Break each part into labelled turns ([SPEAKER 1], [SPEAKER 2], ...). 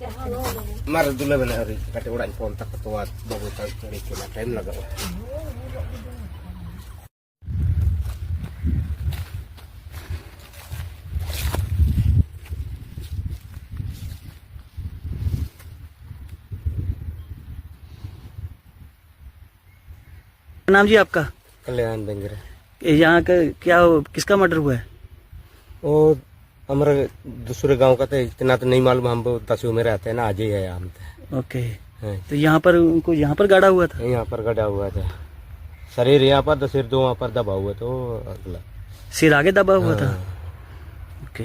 [SPEAKER 1] Mar dulu benar hari kata orang kontak ketua baru tahu kena time lagi.
[SPEAKER 2] नाम जी आपका?
[SPEAKER 1] कल्याण बेंगरे।
[SPEAKER 2] यहाँ का क्या किसका मर्डर हुआ है?
[SPEAKER 1] वो हमारा दूसरे गांव का तो इतना तो नहीं मालूम, हम दसवीं में रहते हैं ना, आज ही है हम तो।
[SPEAKER 2] ओके। तो यहाँ पर उनको यहाँ पर गाड़ा हुआ था?
[SPEAKER 1] यहाँ पर गड़ा हुआ था, शरीर यहाँ पर, सिर दो वहाँ पर दबा हुआ, तो अगला
[SPEAKER 2] सिर आगे दबा हुआ था। ओके।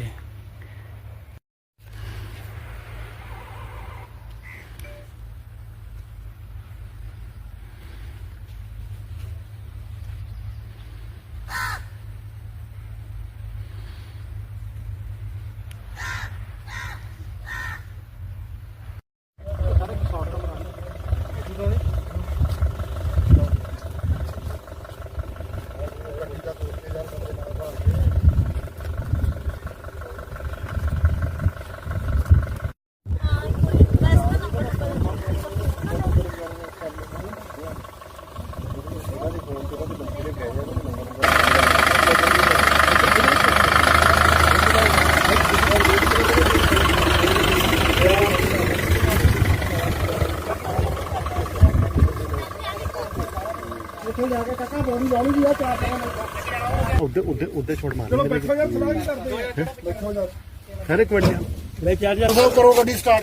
[SPEAKER 2] उधर छोड़ मार। चलो बैठो यार, सलाह नहीं करते हैं। बैठो यार। अरे एक मिनट। ले चार्ज करो, गाड़ी स्टार्ट।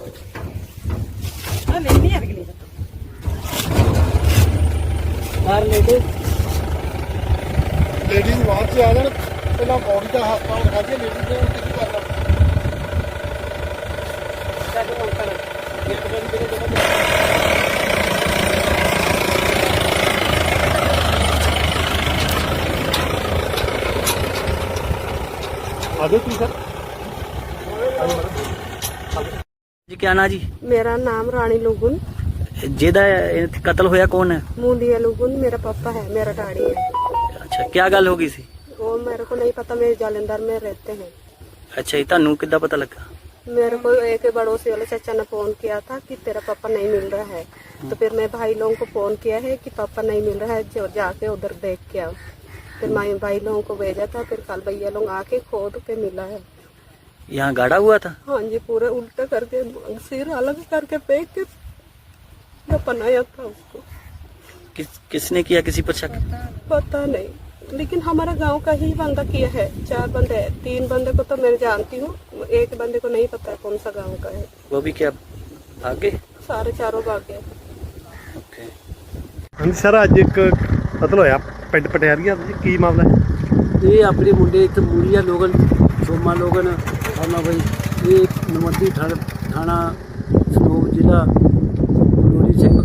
[SPEAKER 2] हां नहीं है अगली। यार लेडीज बाहर से आ जाए, पहला बॉडी का हाथ पांव उठा के लेडीज ने उल्टी करना। जी क्या ना जी?
[SPEAKER 3] मेरा नाम रानी लुगुन।
[SPEAKER 2] जेदा कत्ल होया कौन है?
[SPEAKER 3] मूंदिया लुगुन मेरा पापा है, मेरा डैडी है।
[SPEAKER 2] अच्छा, क्या गल होगी सी?
[SPEAKER 3] वो मेरे को नहीं पता, मेरे जालंधर में रहते हैं।
[SPEAKER 2] अच्छा, इतना कितना पता लगा?
[SPEAKER 3] मेरे को एक पड़ोसी वाले चाचा ने फोन किया था कि तेरा पापा नहीं मिल रहा है, तो फिर मैं भाई लोगों को फोन किया है कि पापा नहीं मिल रहा है, जो जाके उधर देख के आओ। फिर मैं भाई लोगों को भेजा था, फिर कल भैया लोग आके खोद के मिला है।
[SPEAKER 2] यहाँ गाड़ा हुआ था?
[SPEAKER 3] हाँ जी, पूरे उल्टा करके सिर अलग करके फेंक के बनाया था उसको।
[SPEAKER 2] किसने किया? किसी पर शक?
[SPEAKER 3] पता नहीं, लेकिन हमारा गांव का ही बंदा किया है। 4 बंदे हैं, 3 बंदे को तो मैं जानती हूँ, एक बंदे को नहीं पता है कौन सा गांव का है।
[SPEAKER 2] वो भी क्या भागे?
[SPEAKER 3] सारे चारों भाग गए।
[SPEAKER 2] ओके।
[SPEAKER 4] हाँ सर, अज एक कतल होया पिंड पटियारिया, की मामला है?
[SPEAKER 5] ये अपने मुंडे इतने मूलिया लोगन सोमा लोगन और भाई ये नमती थाना सनोक जिला गोली सिंह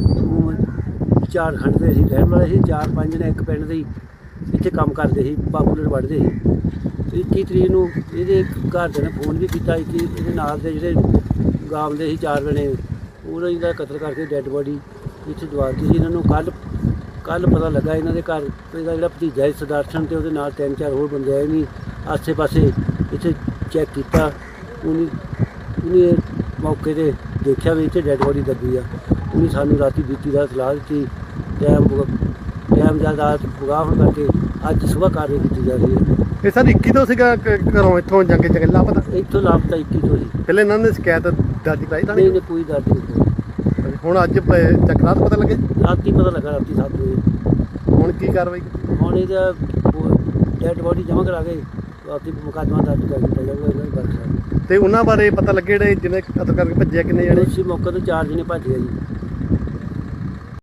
[SPEAKER 5] झारखंड के अं रहने वाले 4-5 ने एक पिंड के इतने काम करते पापूलर बढ़ते 21 तरीक को ये घर ने फोन भी किया कि ये नाल के जोड़े गांव के 4 जने उन्होंने कतल करके डैड बॉडी इतने दवाती थी। इन्होंने कल पता लगा इन्होंने घर जो भतीजा है सुदर्शन तो 3-4 होर बंदे आए नहीं आसे पासे इतने चैक किया, उन्हें मौके पर देखा भी इतने डैड बॉडी दबी आ। उन्हें सानू राती बीती रात सलाह दी, टाइम ज़्यादा बुगाह होने करके अज सुबह कार्रवाई की जा रही है।
[SPEAKER 4] ये सर 21 तो घरों इतों जंगे चंगे लापता?
[SPEAKER 5] इतों लापता 21 तो ही।
[SPEAKER 4] पहले इन्होंने शिकायत दर्ज कराई था?
[SPEAKER 5] नहीं कोई दर्ज नहीं।
[SPEAKER 4] ਹੁਣ ਅੱਜ ਚੱਕਰਾਂ ਤੋਂ ਪਤਾ ਲੱਗੇ?
[SPEAKER 5] राती पता लगा, राती 7 बजे।
[SPEAKER 4] ਹੁਣ ਕੀ ਕਾਰਵਾਈ ਕੀਤੀ?
[SPEAKER 5] ਹੁਣ ਇਹਦਾ ਡੈਡ ਬੋਡੀ ਜਮ੍ਹਾਂ ਕਰਾ ਕੇ ਰਾਤੀ ਮੁਕੱਦਮਾ ਦਰਜ ਕਰ ਦਿੱਤਾ ਜਾਊਗਾ ਇਹਨਾਂ ਦੀ ਬਾਰੇ।
[SPEAKER 4] ਤੇ ਉਹਨਾਂ ਬਾਰੇ ਪਤਾ ਲੱਗੇ ਜਿਹੜੇ ਜਿਹਨੇ ਕਤਲ ਕਰਕੇ ਭੱਜਿਆ ਕਿੰਨੇ ਜਣੇ?
[SPEAKER 5] ਦੋਸ਼ੀ ਮੌਕੇ ਤੋਂ 4 ਜਣੇ ਭੱਜ ਗਏ ਜੀ।